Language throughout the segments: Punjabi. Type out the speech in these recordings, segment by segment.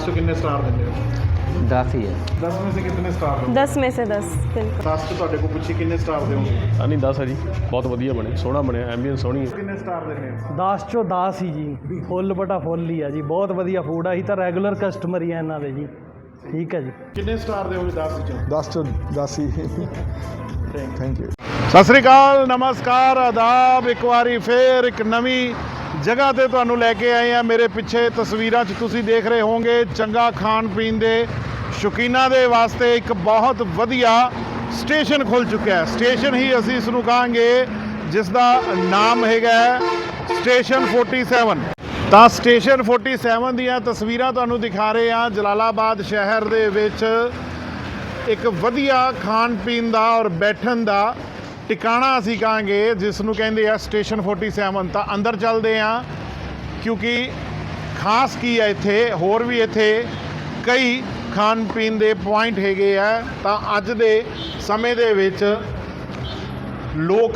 से कितने स्टार देंगे हो? 10 ही है। 10 में से कितने स्टार दोगे? 10 में से 10 बिल्कुल। 10 तो ਤੁਹਾਡੇ ਕੋਲ ਪੁੱਛੀ ਕਿੰਨੇ ਸਟਾਰ ਦਿਓਗੇ? ਨਹੀਂ 10 ਹੈ ਜੀ, ਬਹੁਤ ਵਧੀਆ ਬਣੇ, ਸੋਹਣਾ ਬਣਿਆ, ਐਂਬੀਅੰਸ ਸੋਹਣੀ ਹੈ। ਕਿੰਨੇ ਸਟਾਰ ਦਿੰਦੇ ਹੋ? 10 ਚੋਂ 10 ਹੀ ਜੀ, ਫੁੱਲ ਬਟਾ ਫੁੱਲ ਹੀ ਆ ਜੀ, ਬਹੁਤ ਵਧੀਆ ਫੂਡ ਆ। ਅਸੀਂ ਤਾਂ ਰੈਗੂਲਰ ਕਸਟਮਰ ਹੀ ਆ ਇਹਨਾਂ ਦੇ ਜੀ। ਠੀਕ ਹੈ ਜੀ। ਕਿੰਨੇ ਸਟਾਰ ਦਿਓਗੇ 10 ਵਿੱਚੋਂ? 10 ਤੋਂ 10 ਹੀ। Thank you. ਸਤਿ ਸ੍ਰੀ ਅਕਾਲ, ਨਮਸਕਾਰ, ਆਦਾਬ। ਇੱਕ ਵਾਰੀ ਫੇਰ ਇੱਕ ਨਵੀਂ ਜਗ੍ਹਾ ਤੇ ਤੁਹਾਨੂੰ ਲੈ ਕੇ ਆਏ ਆ। ਮੇਰੇ ਪਿੱਛੇ ਤਸਵੀਰਾਂ 'ਚ ਤੁਸੀਂ ਦੇਖ ਰਹੇ ਹੋਵੋਗੇ ਚੰਗਾ ਖਾਣ ਪੀਣ ਦੇ ਸ਼ੌਕੀਨਾਂ ਦੇ ਵਾਸਤੇ ਇੱਕ ਬਹੁਤ ਵਧੀਆ ਸਟੇਸ਼ਨ ਖੁੱਲ੍ਹ ਚੁੱਕਿਆ ਹੈ। ਸਟੇਸ਼ਨ ਹੀ ਅਸੀਂ ਇਸ ਨੂੰ ਕਹਾਂਗੇ, ਜਿਸ ਦਾ ਨਾਮ ਹੈਗਾ ਸਟੇਸ਼ਨ 47। ਤਾਂ ਸਟੇਸ਼ਨ 47 ਦੀਆਂ ਤਸਵੀਰਾਂ ਤੁਹਾਨੂੰ ਦਿਖਾ ਰਹੇ ਹਾਂ। ਜਲਾਲਾਬਾਦ ਸ਼ਹਿਰ ਦੇ ਵਿੱਚ ਇੱਕ ਵਧੀਆ ਖਾਣ ਪੀਣ ਦਾ ਔਰ ਬੈਠਣ ਦਾ ਟਿਕਾਣਾ ਅਸੀਂ ਕਹਾਂਗੇ, ਜਿਸ ਨੂੰ ਕਹਿੰਦੇ ਆ ਸਟੇਸ਼ਨ 47। ਤਾਂ ਅੰਦਰ ਚੱਲਦੇ ਹਾਂ, ਕਿਉਂਕਿ ਖਾਸ ਕੀ ਹੈ ਇੱਥੇ, ਹੋਰ ਵੀ ਇੱਥੇ ਕਈ ਖਾਣ ਪੀਣ ਦੇ ਪੁਆਇੰਟ ਹੈਗੇ ਆ। ਤਾਂ ਅੱਜ ਦੇ ਸਮੇਂ ਦੇ ਵਿੱਚ ਲੋਕ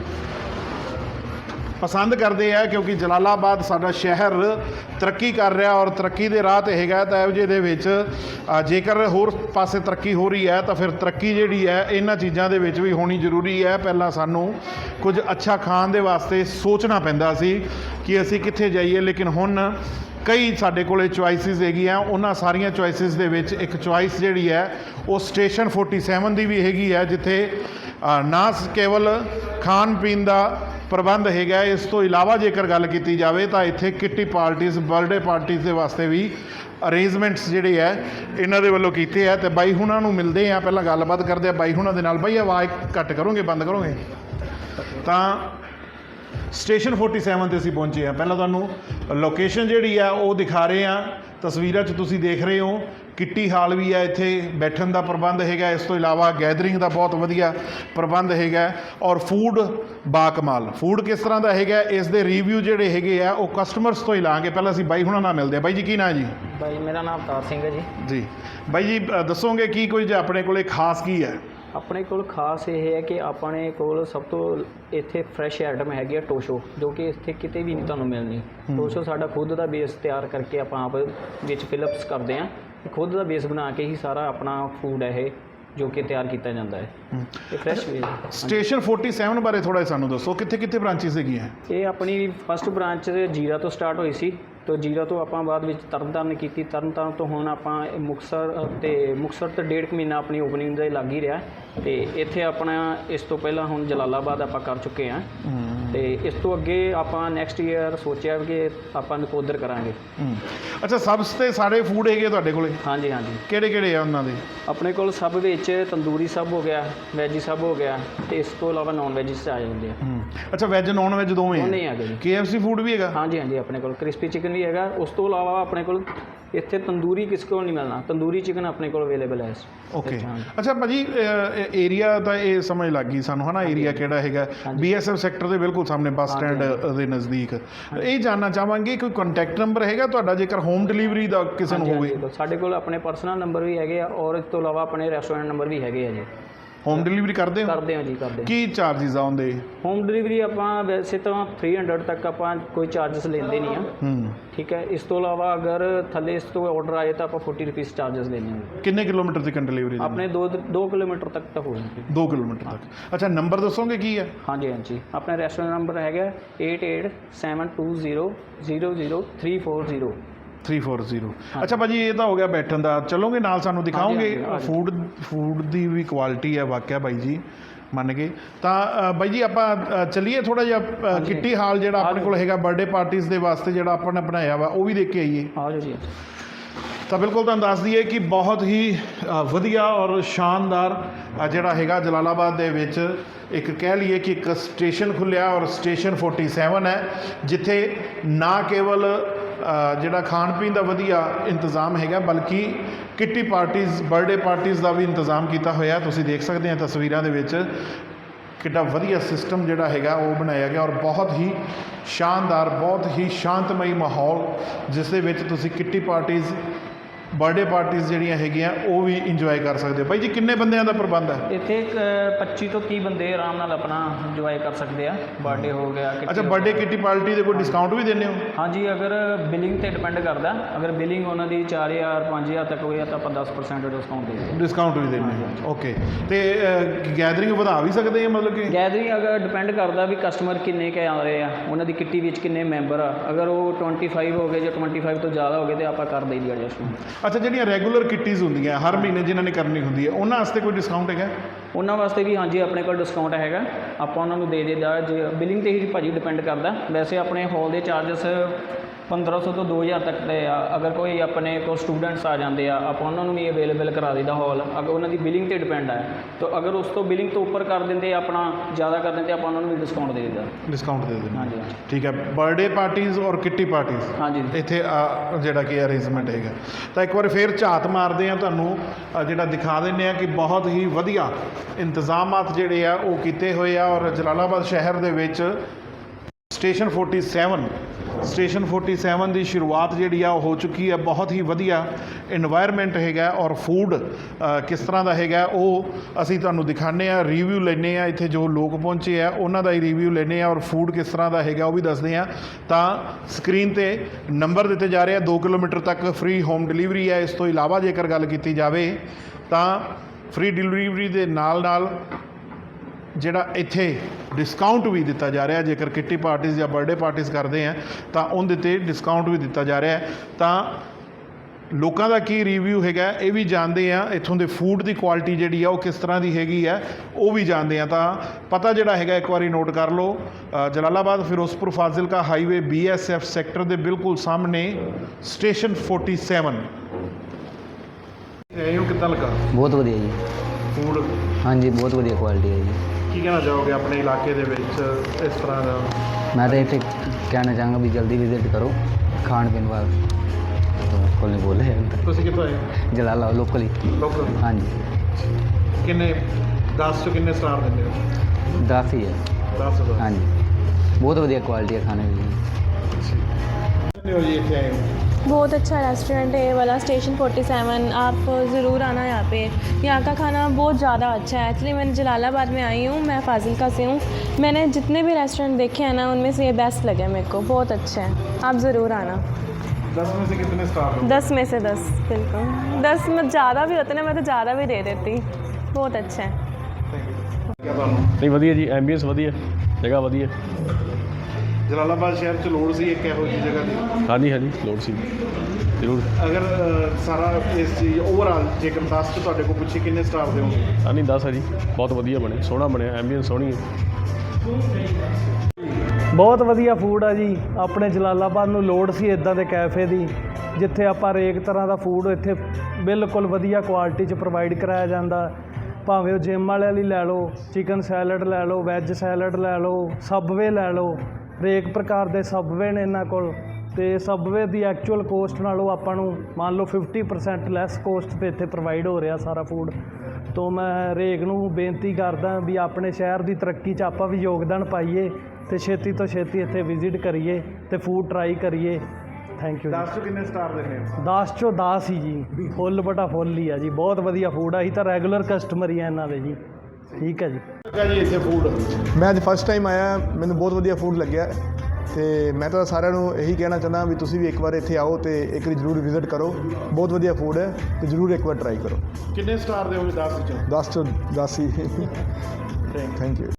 ਪਸੰਦ ਕਰਦੇ ਆ, ਕਿਉਂਕਿ ਜਲਾਲਾਬਾਦ ਸਾਡਾ ਸ਼ਹਿਰ ਤਰੱਕੀ ਕਰ ਰਿਹਾ ਔਰ ਤਰੱਕੀ ਦੇ ਰਾਹ 'ਤੇ ਹੈਗਾ। ਤਾਂ ਇਹੋ ਜਿਹੇ ਦੇ ਵਿੱਚ ਜੇਕਰ ਹੋਰ ਪਾਸੇ ਤਰੱਕੀ ਹੋ ਰਹੀ ਹੈ ਤਾਂ ਫਿਰ ਤਰੱਕੀ ਜਿਹੜੀ ਹੈ ਇਹਨਾਂ ਚੀਜ਼ਾਂ ਦੇ ਵਿੱਚ ਵੀ ਹੋਣੀ ਜ਼ਰੂਰੀ ਹੈ। ਪਹਿਲਾਂ ਸਾਨੂੰ ਕੁਝ ਅੱਛਾ ਖਾਣ ਦੇ ਵਾਸਤੇ ਸੋਚਣਾ ਪੈਂਦਾ ਸੀ ਕਿ ਅਸੀਂ ਕਿੱਥੇ ਜਾਈਏ, ਲੇਕਿਨ ਹੁਣ ਕਈ ਸਾਡੇ ਕੋਲੇ ਚੁਆਇਸਿਸ ਹੈਗੀਆਂ। ਉਹਨਾਂ ਸਾਰੀਆਂ ਚੁਆਇਸਿਸ ਦੇ ਵਿੱਚ ਇੱਕ ਚੁਆਇਸ ਜਿਹੜੀ ਹੈ ਉਹ ਸਟੇਸ਼ਨ 47 ਦੀ ਵੀ ਹੈਗੀ ਹੈ, ਜਿੱਥੇ ਨਾ ਕੇਵਲ ਖਾਣ ਪੀਣ ਦਾ ਪ੍ਰਬੰਧ ਹੈਗਾ, ਇਸ ਤੋਂ ਇਲਾਵਾ ਜੇਕਰ ਗੱਲ ਕੀਤੀ ਜਾਵੇ ਤਾਂ ਇੱਥੇ ਕਿੱਟੀ ਪਾਰਟੀਜ਼, ਬਰਥਡੇ ਪਾਰਟੀਜ਼ ਦੇ ਵਾਸਤੇ ਵੀ ਅਰੇਂਜਮੈਂਟਸ ਜਿਹੜੇ ਹੈ ਇਹਨਾਂ ਦੇ ਵੱਲੋਂ ਕੀਤੇ ਹੈ। ਅਤੇ ਬਾਈ ਹੁਣਾਂ ਨੂੰ ਮਿਲਦੇ ਆ, ਪਹਿਲਾਂ ਗੱਲਬਾਤ ਕਰਦੇ ਆ ਬਾਈ ਹੁਣਾਂ ਦੇ ਨਾਲ। ਬਾਈ ਆਵਾਜ਼ ਘੱਟ ਕਰੋਗੇ, ਬੰਦ ਕਰੋਗੇ? ਤਾਂ ਸਟੇਸ਼ਨ 47 'ਤੇ ਅਸੀਂ ਪਹੁੰਚੇ ਹਾਂ। ਪਹਿਲਾਂ ਤੁਹਾਨੂੰ ਲੋਕੇਸ਼ਨ ਜਿਹੜੀ ਆ ਉਹ ਦਿਖਾ ਰਹੇ ਹਾਂ। ਤਸਵੀਰਾਂ 'ਚ ਤੁਸੀਂ ਦੇਖ ਰਹੇ ਹੋ ਕਿੱਟੀ ਹਾਲ ਵੀ ਹੈ, ਇੱਥੇ ਬੈਠਣ ਦਾ ਪ੍ਰਬੰਧ ਹੈਗਾ। ਇਸ ਤੋਂ ਇਲਾਵਾ ਗੈਦਰਿੰਗ ਦਾ ਬਹੁਤ ਵਧੀਆ ਪ੍ਰਬੰਧ ਹੈਗਾ ਔਰ ਫੂਡ ਬਾਕਮਾਲ। ਫੂਡ ਕਿਸ ਤਰ੍ਹਾਂ ਦਾ ਹੈਗਾ, ਇਸ ਦੇ ਰਿਵਿਊ ਜਿਹੜੇ ਹੈਗੇ ਆ ਉਹ ਕਸਟਮਰਸ ਤੋਂ ਹੀ ਲਾਂਗੇ। ਪਹਿਲਾਂ ਅਸੀਂ ਬਾਈ ਹੁਣਾਂ ਨਾਲ ਮਿਲਦੇ ਹਾਂ। ਬਾਈ ਜੀ ਕੀ ਨਾਂ ਜੀ? ਬਾਈ ਮੇਰਾ ਨਾਮ ਅਵਤਾਰ ਸਿੰਘ ਹੈ ਜੀ। ਜੀ ਬਾਈ ਜੀ, ਦੱਸੋਗੇ ਕੀ ਕੁਝ ਆਪਣੇ ਕੋਲੇ ਖਾਸ ਕੀ ਹੈ? ਆਪਣੇ ਕੋਲ ਖਾਸ ਇਹ ਹੈ ਕਿ ਆਪਣੇ ਕੋਲ ਸਭ ਤੋਂ ਇੱਥੇ ਫਰੈਸ਼ ਆਈਟਮ ਹੈਗੀ ਆ ਟੋਸ਼ੋ, ਜੋ ਕਿ ਇੱਥੇ ਕਿਤੇ ਵੀ ਨਹੀਂ ਤੁਹਾਨੂੰ ਮਿਲਣੀ। ਟੋਸ਼ੋ ਸਾਡਾ ਖੁਦ ਦਾ ਬੇਸ ਤਿਆਰ ਕਰਕੇ ਆਪਾਂ ਆਪ ਵਿੱਚ ਫਿਲਪਸ ਕਰਦੇ ਹਾਂ। ਖੁਦ ਦਾ ਬੇਸ ਬਣਾ ਕੇ ਹੀ ਸਾਰਾ ਆਪਣਾ ਫੂਡ ਹੈ ਇਹ ਜੋ ਕਿ ਤਿਆਰ ਕੀਤਾ ਜਾਂਦਾ ਹੈ। ਇਹ ਫਰੈਸ਼ ਵੀ ਹੈ। ਸਟੇਸ਼ਨ 47 ਬਾਰੇ ਥੋੜ੍ਹਾ ਜਿਹਾ ਸਾਨੂੰ ਦੱਸੋ, ਕਿੱਥੇ ਕਿੱਥੇ ਬ੍ਰਾਂਚਿਸ ਹੈਗੀਆਂ? ਇਹ ਆਪਣੀ ਫਸਟ ਬ੍ਰਾਂਚ ਜੀਰਾ ਤੋਂ ਸਟਾਰਟ ਹੋਈ ਸੀ, ਤੋਂ ਜੀਰਾ ਤੋਂ ਆਪਾਂ ਬਾਅਦ ਵਿੱਚ ਤਰਨਤਾਰਨ ਕੀਤੀ। ਤਰਨਤਾਰਨ ਤੋਂ ਹੁਣ ਆਪਾਂ ਮੁਕਤਸਰ ਤੇ 1.5 ਮਹੀਨਾ ਆਪਣੀ ਓਪਨਿੰਗ ਦੇ ਲੱਗ ਹੀ ਰਿਹਾ। ਤੇ ਇੱਥੇ ਆਪਣਾ ਇਸ ਤੋਂ ਪਹਿਲਾਂ ਹੁਣ ਜਲਾਲਾਬਾਦ ਆਪਾਂ ਕਰ ਚੁੱਕੇ ਹਾਂ। ਤੇ ਇਸ ਤੋਂ ਅੱਗੇ ਆਪਾਂ ਨੈਕਸਟ ਈਅਰ ਸੋਚਿਆ ਕਿ ਆਪਾਂ ਨਕੋਦਰ ਕਰਾਂਗੇ। ਅੱਛਾ, ਸਬਸ ਤੇ ਸਾਰੇ ਫੂਡ ਹੈਗੇ ਤੁਹਾਡੇ ਕੋਲੇ? ਹਾਂਜੀ ਹਾਂਜੀ। ਕਿਹੜੇ ਕਿਹੜੇ ਆ ਉਹਨਾਂ ਦੇ? ਆਪਣੇ ਕੋਲ ਸਭ ਵਿੱਚ ਤੰਦੂਰੀ ਸਭ ਹੋ ਗਿਆ, ਵੈਜੀ ਸਭ ਹੋ ਗਿਆ, ਤੇ ਇਸ ਤੋਂ ਇਲਾਵਾ ਨੌਨ ਵੈਜਿਸ ਆ ਜਾਂਦੇ ਆ। ਅੱਛਾ, ਵੈਜ ਨੌਨ ਵੈਜ ਦੋਵੇਂ ਨਹੀਂ ਹੈਗੇ ਜੀ। KFC ਫੂਡ ਵੀ ਹੈਗਾ? ਹਾਂਜੀ ਹਾਂਜੀ, ਆਪਣੇ ਕੋਲ ਕ੍ਰਿਸਪੀ ਚਿਕਨ ਵੀ ਹੈਗਾ। ਉਸ ਤੋਂ ਇਲਾਵਾ ਆਪਣੇ ਕੋਲ ਇੱਥੇ ਤੰਦੂਰੀ ਕਿਸੇ ਕੋਲ ਨਹੀਂ ਮਿਲਣਾ, ਤੰਦੂਰੀ ਚਿਕਨ ਆਪਣੇ ਕੋਲ ਅਵੇਲੇਬਲ ਹੈ। ਓਕੇ। ਅੱਛਾ ਭਾਜੀ, ਏਰੀਆ ਦਾ ਇਹ ਸਮਝ ਲੱਗ ਗਈ ਸਾਨੂੰ, ਹੈ ਨਾ? ਏਰੀਆ ਕਿਹੜਾ ਹੈਗਾ? BSF ਸੈਕਟਰ ਦੇ ਬਿਲਕੁਲ ਸਾਹਮਣੇ, ਬੱਸ ਸਟੈਂਡ ਦੇ ਨਜ਼ਦੀਕ। ਇਹ ਜਾਣਨਾ ਚਾਹਾਂਗੇ ਕੋਈ ਕੰਟੈਕਟ ਨੰਬਰ ਹੈਗਾ ਤੁਹਾਡਾ, ਜੇਕਰ ਹੋਮ ਡਿਲੀਵਰੀ ਦਾ ਕਿਸੇ ਨੂੰ ਹੋਵੇ? ਸਾਡੇ ਕੋਲ ਆਪਣੇ ਪਰਸਨਲ ਨੰਬਰ ਵੀ ਹੈਗੇ ਆ, ਔਰ ਇਸ ਤੋਂ ਇਲਾਵਾ ਆਪਣੇ ਰੈਸਟੋਰੈਂਟ ਨੰਬਰ ਵੀ ਹੈਗੇ ਆ ਜੀ। ਹੋਮ ਡਿਲੀਵਰੀ ਕਰਦੇ ਹੋ? ਕਰਦੇ ਹਾਂ ਜੀ, ਕਰਦੇ। ਕੀ ਚਾਰਜਿਸ ਆਉਂਦੇ? ਹੋਮ ਡਿਲੀਵਰੀ ਆਪਾਂ ਵੈਸੇ ਤਾਂ 300 ਤੱਕ ਆਪਾਂ ਕੋਈ ਚਾਰਜਸ ਲੈਂਦੇ ਨਹੀਂ ਆ। ਠੀਕ ਹੈ। ਇਸ ਤੋਂ ਇਲਾਵਾ ਅਗਰ ਥੱਲੇ ਇਸ ਤੋਂ ਆਰਡਰ ਆਏ ਤਾਂ ਆਪਾਂ 40 ਰੁਪਏ ਚਾਰਜਸ ਲੈਂਦੇ ਹਾਂ। ਕਿੰਨੇ ਕਿਲੋਮੀਟਰ ਤੱਕ ਡਿਲੀਵਰੀ? ਆਪਣੇ 2 ਕਿਲੋਮੀਟਰ ਤੱਕ ਤਾਂ ਹੋ ਜਾਂਦੀ। 2 ਕਿਲੋਮੀਟਰ ਤੱਕ। ਅੱਛਾ, ਨੰਬਰ ਦੱਸੋਗੇ ਕੀ ਹੈ? ਹਾਂਜੀ ਹਾਂਜੀ, ਆਪਣਾ ਰੈਸਟੋਰੈਂਟ ਨੰਬਰ ਹੈਗਾ 8872000340। 340। ਅੱਛਾ ਭਾਜੀ, ਇਹ ਤਾਂ ਹੋ ਗਿਆ ਬੈਠਣ ਦਾ। ਚਲੋਗੇ ਨਾਲ, ਸਾਨੂੰ ਦਿਖਾਓਗੇ? ਫੂਡ ਦੀ ਵੀ ਕੁਆਲਿਟੀ ਹੈ ਵਾਕਿਆ ਬਾਈ ਜੀ, ਮੰਨ ਗਏ। ਤਾਂ ਬਾਈ ਜੀ ਆਪਾਂ ਚੱਲੀਏ ਥੋੜ੍ਹਾ ਜਿਹਾ ਕਿੱਟੀ ਹਾਲ ਜਿਹੜਾ ਆਪਣੇ ਕੋਲ ਹੈਗਾ ਬਰਥਡੇ ਪਾਰਟੀਜ਼ ਦੇ ਵਾਸਤੇ, ਜਿਹੜਾ ਆਪਾਂ ਨੇ ਬਣਾਇਆ ਵਾ, ਉਹ ਵੀ ਦੇਖ ਕੇ ਆਈਏ। ਆਜੋ ਜੀ। ਤਾਂ ਬਿਲਕੁਲ ਤੁਹਾਨੂੰ ਦੱਸ ਦਈਏ ਕਿ ਬਹੁਤ ਹੀ ਵਧੀਆ ਔਰ ਸ਼ਾਨਦਾਰ ਜਿਹੜਾ ਹੈਗਾ ਜਲਾਲਾਬਾਦ ਦੇ ਵਿੱਚ ਇੱਕ ਕਹਿ ਲਈਏ ਕਿ ਇੱਕ ਸਟੇਸ਼ਨ ਖੁੱਲ੍ਹਿਆ, ਔਰ ਸਟੇਸ਼ਨ 47 ਹੈ, ਜਿੱਥੇ ਨਾ ਕੇਵਲ ਜਿਹੜਾ ਖਾਣ ਪੀਣ ਦਾ ਵਧੀਆ ਇੰਤਜ਼ਾਮ ਹੈਗਾ, ਬਲਕਿ ਕਿੱਟੀ ਪਾਰਟੀਜ਼, ਬਰਥਡੇ ਪਾਰਟੀਜ਼ ਦਾ ਵੀ ਇੰਤਜ਼ਾਮ ਕੀਤਾ ਹੋਇਆ। ਤੁਸੀਂ ਦੇਖ ਸਕਦੇ ਆ ਤਸਵੀਰਾਂ ਦੇ ਵਿੱਚ ਕਿੱਡਾ ਵਧੀਆ ਸਿਸਟਮ ਜਿਹੜਾ ਹੈਗਾ ਉਹ ਬਣਾਇਆ ਗਿਆ, ਔਰ ਬਹੁਤ ਹੀ ਸ਼ਾਨਦਾਰ, ਬਹੁਤ ਹੀ ਸ਼ਾਂਤਮਈ ਮਾਹੌਲ, ਜਿਸ ਦੇ ਵਿੱਚ ਤੁਸੀਂ ਕਿੱਟੀ ਪਾਰਟੀਜ਼ ਬਰਥਡੇ ਪਾਰਟੀਆਂ ਜਿਹੜੀਆਂ ਹੈਗੀਆਂ ਉਹ ਵੀ ਇੰਜੋਏ ਕਰ ਸਕਦੇ ਹੋ। ਬਾਈ ਜੀ ਕਿੰਨੇ ਬੰਦਿਆਂ ਦਾ ਪ੍ਰਬੰਧ ਹੈ? ਇੱਥੇ 25 ਤੋਂ 30 ਬੰਦੇ ਆਰਾਮ ਨਾਲ ਆਪਣਾ ਇੰਜੋਏ ਕਰ ਸਕਦੇ ਆ। ਬਰਥਡੇ ਹੋ ਗਿਆ, kitty ਅੱਛਾ, ਹੋ ਬਰਥਡੇ ਗਿਆ। ਕਿੱਟੀ ਪਾਰਟੀ ਦੇ ਕੋਈ ਡਿਸਕਾਊਂਟ ਵੀ ਦਿੰਦੇ ਹੋ? ਹਾਂਜੀ, ਅਗਰ ਬਿਲਿੰਗ ਤੇ ਡਿਪੈਂਡ ਕਰਦਾ, ਅਗਰ ਬਿਲਿੰਗ ਉਹਨਾਂ ਦੀ 4000 5000 ਤੱਕ ਹੋਈ ਤਾਂ ਆਪਾਂ 10% ਡਿਸਕਾਊਂਟ ਦੇ ਦਿੰਦੇ। ਡਿਸਕਾਊਂਟ ਵੀ ਦਿੰਦੇ ਹੋ, ਓਕੇ। ਤੇ ਗੈਦਰਿੰਗ ਵਧਾ ਵੀ ਸਕਦੇ ਆ ਮਤਲਬ ਕਿ? ਗੈਦਰਿੰਗ ਅਗਰ ਡਿਪੈਂਡ ਕਰਦਾ ਵੀ ਕਸਟਮਰ ਕਿੰਨੇ ਕੁ ਆ ਰਹੇ ਆ, ਉਹਨਾਂ ਦੀ ਕਿੱਟੀ ਵਿੱਚ ਕਿੰਨੇ ਮੈਂਬਰ ਆ। ਅਗਰ ਉਹ 25 ਹੋ ਗਏ ਜਾਂ 25 ਤੋਂ ਜ਼ਿਆਦਾ ਹੋ ਗਏ ਤਾਂ ਆਪਾਂ ਕਰ ਦਈਦੀ ਐਡਜਸਟਮੈਂਟ। ਅੱਛਾ, ਜਿਹੜੀਆਂ ਰੈਗੂਲਰ ਕਿੱਟੀਜ਼ ਹੁੰਦੀਆਂ ਹਰ ਮਹੀਨੇ ਜਿਨ੍ਹਾਂ ਨੇ ਕਰਨੀ ਹੁੰਦੀ ਹੈ ਉਹਨਾਂ ਵਾਸਤੇ ਕੋਈ ਡਿਸਕਾਊਂਟ ਹੈਗਾ? ਉਹਨਾਂ ਵਾਸਤੇ ਵੀ ਹਾਂਜੀ ਆਪਣੇ ਕੋਲ ਡਿਸਕਾਊਂਟ ਹੈਗਾ, ਆਪਾਂ ਉਹਨਾਂ ਨੂੰ ਦੇ ਦੇਦਾ। ਜੇ ਬਿਲਿੰਗ ਤੇ ਹੀ ਭਾਜੀ ਡਿਪੈਂਡ ਕਰਦਾ। ਵੈਸੇ ਆਪਣੇ ਹਾਲ ਦੇ ਚਾਰਜਸ 1500 ਤੋਂ 2000 ਤੱਕ ਦੇ ਆ। ਅਗਰ ਕੋਈ ਆਪਣੇ ਕੋਲ ਸਟੂਡੈਂਟਸ ਆ ਜਾਂਦੇ ਆ, ਆਪਾਂ ਉਹਨਾਂ ਨੂੰ ਵੀ ਅਵੇਲੇਬਲ ਕਰਾ ਦਈਦਾ ਹਾਲ। ਅਗਰ ਉਹਨਾਂ ਦੀ ਬਿਲਿੰਗ ਤੇ ਡਿਪੈਂਡ ਹੈ ਤਾਂ ਅਗਰ ਉਸ ਤੋਂ ਬਿਲਿੰਗ ਤੋਂ ਉੱਪਰ ਕਰ ਦਿੰਦੇ ਆਪਣਾ ਜ਼ਿਆਦਾ ਕਰ ਦਿੰਦੇ, ਆਪਾਂ ਉਹਨਾਂ ਨੂੰ ਵੀ ਡਿਸਕਾਊਂਟ ਦੇ ਦਿੰਦਾ। ਡਿਸਕਾਊਂਟ ਦੇ ਦਿੰਦੇ, ਹਾਂਜੀ ਠੀਕ ਹੈ। ਬਰਥਡੇ ਪਾਰਟੀਜ਼ ਔਰ ਕਿੱਟੀ ਪਾਰਟੀਜ਼ ਹਾਂਜੀ ਇੱਥੇ ਜਿਹੜਾ ਕਿ ਅਰੇਂਜਮੈਂਟ ਹੈਗਾ। ਤਾਂ ਇੱਕ ਵਾਰ ਫਿਰ ਝਾਤ ਮਾਰਦੇ ਆ, ਤੁਹਾਨੂੰ ਜਿਹੜਾ ਦਿਖਾ ਦਿੰਦੇ ਆ ਕਿ ਬਹੁਤ ਹੀ ਵਧੀਆ ਇੰਤਜ਼ਾਮਾਤ ਜਿਹੜੇ ਆ ਉਹ ਕੀਤੇ ਹੋਏ ਆ। ਔਰ ਜਲਾਲਾਬਾਦ ਸ਼ਹਿਰ ਦੇ ਵਿੱਚ ਸਟੇਸ਼ਨ 47 ਦੀ ਸ਼ੁਰੂਆਤ ਜਿਹੜੀ ਆ ਉਹ ਹੋ ਚੁੱਕੀ ਹੈ। ਬਹੁਤ ਹੀ ਵਧੀਆ ਇਨਵਾਇਰਮੈਂਟ ਹੈਗਾ ਔਰ ਫੂਡ ਕਿਸ ਤਰ੍ਹਾਂ ਦਾ ਹੈਗਾ ਉਹ ਅਸੀਂ ਤੁਹਾਨੂੰ ਦਿਖਾਉਂਦੇ ਆ, ਰਿਵਿਊ ਲੈਂਦੇ ਆ। ਇੱਥੇ ਜੋ ਲੋਕ ਪਹੁੰਚੇ ਆ ਉਹਨਾਂ ਦਾ ਹੀ ਰਿਵਿਊ ਲੈਂਦੇ ਆ ਔਰ ਫੂਡ ਕਿਸ ਤਰ੍ਹਾਂ ਦਾ ਹੈਗਾ ਉਹ ਵੀ ਦੱਸਦੇ ਆ। ਤਾਂ ਸਕਰੀਨ ਤੇ ਨੰਬਰ ਦਿੱਤੇ ਜਾ ਰਹੇ ਆ। 2 ਕਿਲੋਮੀਟਰ ਤੱਕ ਫ੍ਰੀ ਹੋਮ ਡਿਲੀਵਰੀ ਹੈ। ਇਸ ਤੋਂ ਇਲਾਵਾ ਜੇਕਰ ਗੱਲ ਕੀਤੀ ਜਾਵੇ ਤਾਂ ਫ੍ਰੀ ਡਿਲੀਵਰੀ ਦੇ ਨਾਲ ਜਿਹੜਾ ਇੱਥੇ ਡਿਸਕਾਊਂਟ ਵੀ ਦਿੱਤਾ ਜਾ ਰਿਹਾ। ਜੇਕਰ ਕਿੱਟੀ ਪਾਰਟੀਜ਼ ਜਾਂ ਬਰਥਡੇ ਪਾਰਟੀਜ਼ ਕਰਦੇ ਆ ਤਾਂ ਉਹਦੇ 'ਤੇ ਡਿਸਕਾਊਂਟ ਵੀ ਦਿੱਤਾ ਜਾ ਰਿਹਾ। ਤਾਂ ਲੋਕਾਂ ਦਾ ਕੀ ਰਿਵਿਊ ਹੈਗਾ ਇਹ ਵੀ ਜਾਣਦੇ ਆ। ਇੱਥੋਂ ਦੇ ਫੂਡ ਦੀ ਕੁਆਲਿਟੀ ਜਿਹੜੀ ਆ ਉਹ ਕਿਸ ਤਰ੍ਹਾਂ ਦੀ ਹੈਗੀ ਆ ਉਹ ਵੀ ਜਾਣਦੇ ਆ। ਤਾਂ ਪਤਾ ਜਿਹੜਾ ਹੈਗਾ ਇੱਕ ਵਾਰੀ ਨੋਟ ਕਰ ਲਓ। Jalalabad Ferozepur Fazilka highway BSF sector ਦੇ ਬਿਲਕੁਲ ਸਾਹਮਣੇ ਸਟੇਸ਼ਨ 47। ਇਹਨੂੰ ਕਿੱਦਾਂ ਲੱਗਾ ਬਹੁਤ ਵਧੀਆ ਜੀ। ਫੂਡ? ਹਾਂਜੀ, ਬਹੁਤ ਵਧੀਆ ਕੁਆਲਿਟੀ ਹੈ ਜੀ। ਕੀ ਕਹਿਣਾ ਚਾਹੋਗੇ ਆਪਣੇ ਇਲਾਕੇ ਦੇ ਵਿੱਚ ਇਸ ਤਰ੍ਹਾਂ ਦਾ? ਮੈਂ ਤਾਂ ਇੱਥੇ ਕਹਿਣਾ ਚਾਹਾਂਗਾ ਵੀ ਜਲਦੀ ਵਿਜ਼ਿਟ ਕਰੋ। ਖਾਣ ਪੀਣ ਵਾਲਾ ਕੋਲ ਨਹੀਂ ਬੋਲੇ ਤੁਸੀਂ ਕਿੱਥੋਂ ਆਏ? ਜਲਾਲਾ ਲੋਕਲ ਹੀ। ਲੋਕਲ? ਹਾਂਜੀ। ਕਿੰਨੇ 10 ਚੋਂ ਕਿੰਨੇ ਸਟਾਰ ਦਿੰਦੇ ਹੋ? 10 ਹੀ ਹੈ। 10 ਦਾ? ਹਾਂਜੀ, ਬਹੁਤ ਵਧੀਆ ਕੁਆਲਿਟੀ ਹੈ ਖਾਣੇ ਦੀ। ਕਿੰਨੇ ਹੋ ਜੀ ਇੱਥੇ ਆਏ ਹੋ? बहुत अच्छा रेस्टोरेंट है ये वाला स्टेशन 47। आप ज़रूर आना यहाँ पे। यहाँ का खाना बहुत ज़्यादा अच्छा है। एक्चुअली मैं जलालाबाद में आई हूँ, मैं फाजिलका से हूँ। मैंने जितने भी रेस्टोरेंट देखे हैं ना उनमें से ये बेस्ट लगे मेरे को, बहुत अच्छे हैं। आप ज़रूर आना। 10 में से कितने स्टार? 10 में से 10 बिल्कुल। 10 में ज़्यादा भी होते ना, मैं तो ज़्यादा भी दे देती। बहुत अच्छे हैं। ਨਹੀਂ ਵਧੀਆ ਜੀ, ਐਂਬੀਐਂਸ ਵਧੀਆ, ਜਗ੍ਹਾ ਵਧੀਆ। ਜਲਾਲਾਬਾਦ ਸ਼ਹਿਰ 'ਚ ਲੋੜ ਸੀ ਇੱਕ ਇਹੋ ਜਿਹੀ ਜਗ੍ਹਾ ਦੀ? ਹਾਂਜੀ ਲੋੜ ਸੀ ਜ਼ਰੂਰ। ਅਗਰ ਸਾਰਾ ਇਸ ਚੀਜ਼ ਓਵਰਆਲ ਜੇਕਰ 10 'ਚ ਤੁਹਾਡੇ ਕੋਲ ਪੁੱਛੀ ਕਿੰਨੇ ਸਟਾਰ ਦਿਓਗੇ? ਨਹੀਂ 10 ਹੈ ਜੀ, ਬਹੁਤ ਵਧੀਆ ਬਣਿਆ, ਸੋਹਣਾ ਬਣਿਆ, ਐਂਬੀਐਂਸ ਸੋਹਣੀ ਹੈ। ਬਹੁਤ ਵਧੀਆ ਫੂਡ ਆ ਜੀ। ਆਪਣੇ ਜਲਾਲਾਬਾਦ ਨੂੰ ਲੋੜ ਸੀ ਇਦਾਂ ਦੇ ਕੈਫੇ ਦੀ ਜਿੱਥੇ ਆਪਾਂ ਹਰੇਕ ਤਰ੍ਹਾਂ ਦਾ ਫੂਡ ਇੱਥੇ ਬਿਲਕੁਲ ਵਧੀਆ ਕੁਆਲਿਟੀ 'ਚ ਪ੍ਰੋਵਾਈਡ ਕਰਾਇਆ ਜਾਂਦਾ। ਭਾਵੇਂ ਉਹ ਜਿਮ ਵਾਲਿਆਂ ਲਈ ਲੈ ਲਓ, ਚਿਕਨ ਸੈਲਡ ਲੈ ਲਓ, ਵੈੱਜ ਸੈਲਡ ਲੈ ਲਓ, ਸਬਵੇ ਲੈ ਲਓ। ਹਰੇਕ ਪ੍ਰਕਾਰ ਦੇ ਸਬਵੇ ਨੇ ਇਹਨਾਂ ਕੋਲ। ਅਤੇ ਸਬਵੇ ਦੀ ਐਕਚੁਅਲ ਕੋਸਟ ਨਾਲੋਂ ਆਪਾਂ ਨੂੰ ਮੰਨ ਲਓ 50% ਲੈਸ ਕੋਸਟ 'ਤੇ ਇੱਥੇ ਪ੍ਰੋਵਾਈਡ ਹੋ ਰਿਹਾ ਸਾਰਾ ਫੂਡ। ਤੋਂ ਮੈਂ ਹਰੇਕ ਨੂੰ ਬੇਨਤੀ ਕਰਦਾ ਵੀ ਆਪਣੇ ਸ਼ਹਿਰ ਦੀ ਤਰੱਕੀ 'ਚ ਆਪਾਂ ਵੀ ਯੋਗਦਾਨ ਪਾਈਏ ਅਤੇ ਛੇਤੀ ਤੋਂ ਛੇਤੀ ਇੱਥੇ ਵਿਜ਼ਿਟ ਕਰੀਏ ਅਤੇ ਫੂਡ ਟਰਾਈ ਕਰੀਏ। Thank you. 10 'ਚੋਂ ਕਿੰਨੇ ਸਟਾਰ ਦਿੰਦੇ ਹੋ? 10 ਚੋਂ 10 ਹੀ ਜੀ। ਫੁੱਲ ਬਟਾ ਫੁੱਲ ਹੀ ਆ ਜੀ। ਬਹੁਤ ਵਧੀਆ ਫੂਡ ਆ। ਅਸੀਂ ਤਾਂ ਰੈਗੂਲਰ ਕਸਟਮਰ ਹੀ ਆ ਇਹਨਾਂ ਦੇ ਜੀ। ਠੀਕ ਹੈ ਜੀ। ਲੱਗਾ ਜੀ ਇੱਥੇ ਫੂਡ? ਮੈਂ ਅੱਜ ਫਸਟ ਟਾਈਮ ਆਇਆ, ਮੈਨੂੰ ਬਹੁਤ ਵਧੀਆ ਫੂਡ ਲੱਗਿਆ ਅਤੇ ਮੈਂ ਤਾਂ ਸਾਰਿਆਂ ਨੂੰ ਇਹੀ ਕਹਿਣਾ ਚਾਹੁੰਦਾ ਵੀ ਤੁਸੀਂ ਵੀ ਇੱਕ ਵਾਰ ਇੱਥੇ ਆਓ ਅਤੇ ਇੱਕ ਵਾਰੀ ਜ਼ਰੂਰ ਵਿਜ਼ਿਟ ਕਰੋ। ਬਹੁਤ ਵਧੀਆ ਫੂਡ ਹੈ ਅਤੇ ਜ਼ਰੂਰ ਇੱਕ ਵਾਰ ਟਰਾਈ ਕਰੋ। ਕਿੰਨੇ ਸਟਾਰ ਦਿਓਗੇ 10 'ਚੋਂ? 10 ਚੋਂ 10 ਹੀ। Thank you.